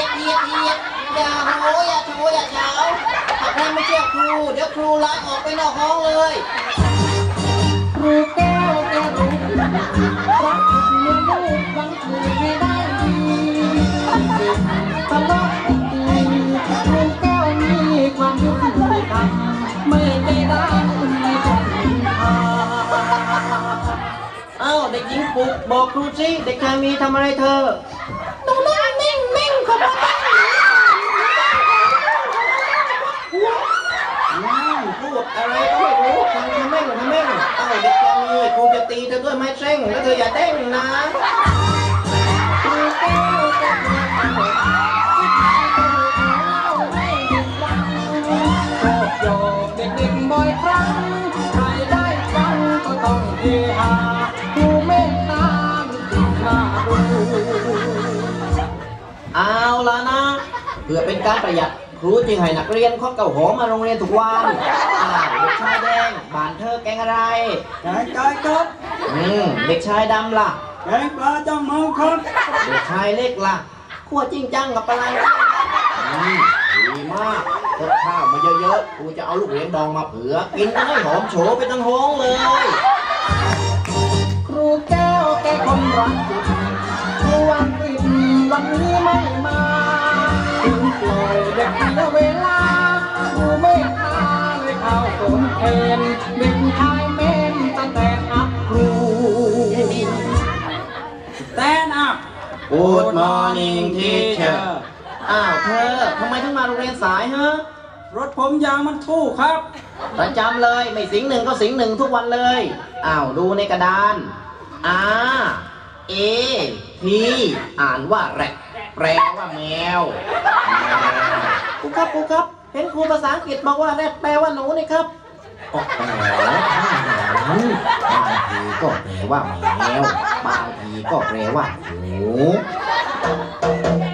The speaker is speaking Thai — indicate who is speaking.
Speaker 1: อย่าโหอย่าโชว์อย่าเช้าหากใครไม่เชื่อครูเดี๋ยวครูไล่ออกไปนอกห้องเลย
Speaker 2: ครูแก้วแก้วรู้รักเมื่อลูกหวังถูกให้ได้ดีตลอดปีครูแก้วมีความยุติธรรมไม่ได้ด่าไม่ต้องนินทา
Speaker 1: เอ้าเด็กหญิงปุกบอกครูสิเด็กชายมีทำอะไรเธอ
Speaker 2: หนูนั่งนิ่งๆเขาบอกว่า
Speaker 1: พูดอะไรก็ไม่รู้ทำแม่งเอ้าเด็กชายมีครูจะตีเธอด้วยไม้เส้งแล้วเธออย่าเด้งนะ
Speaker 2: ครูแก้วแก้วโยกเด็กๆบ่อยครั้งใครได้ฟังก็ต้องเฮฮาครูเมตตาติดมาดู
Speaker 1: เอาละนะเพื่อเป็นการประหยัดครูจึงให้นักเรียนคดเก่าหอมาโรงเรียนทุกวันเด็กชายแดงบ้านเธอแกงอะไร
Speaker 3: แกงไก่ครับ
Speaker 1: เด็กชายดำล่ะ
Speaker 3: แกงปลาจ้ำเมืองครับ
Speaker 1: เด็กชายเล็กล่ะขั้วจริงจังกับอะไรดีมากคดข้าวมาเยอะๆครูจะเอาลูกเหรียญดองมาเผื่อกินกันให้หอมโฉไปทั้งห้องเลย
Speaker 2: ครูแก้วแกคนรักจุดครูวันปิดวันนี้ไม่มาถึงปล่อยเด็กเสียเวลาครูไม่พาเลยเข้าสนเทนเด็กชายเม่นตั้งแต่อัพครู
Speaker 3: Stand up
Speaker 1: Good morning teacher อ้าวเธอทำไมถึงมาโรงเรียนสายฮะ
Speaker 3: รถผมยางมันทู่ครับ
Speaker 1: ประจำเลยไม่สิงหนึ่งก็สิงหนึ่งทุกวันเลยอ้าวดูในกระดานR.A.T อ่านว่าแรดแปลว่าแมวครูครับเห็นครูภาษาอังกฤษบอกว่าแรดแปลว่าหนูนี่ครับก็แปลว่าบางทีก็แปลว่าแมวบางทีก็แปลว่าหนู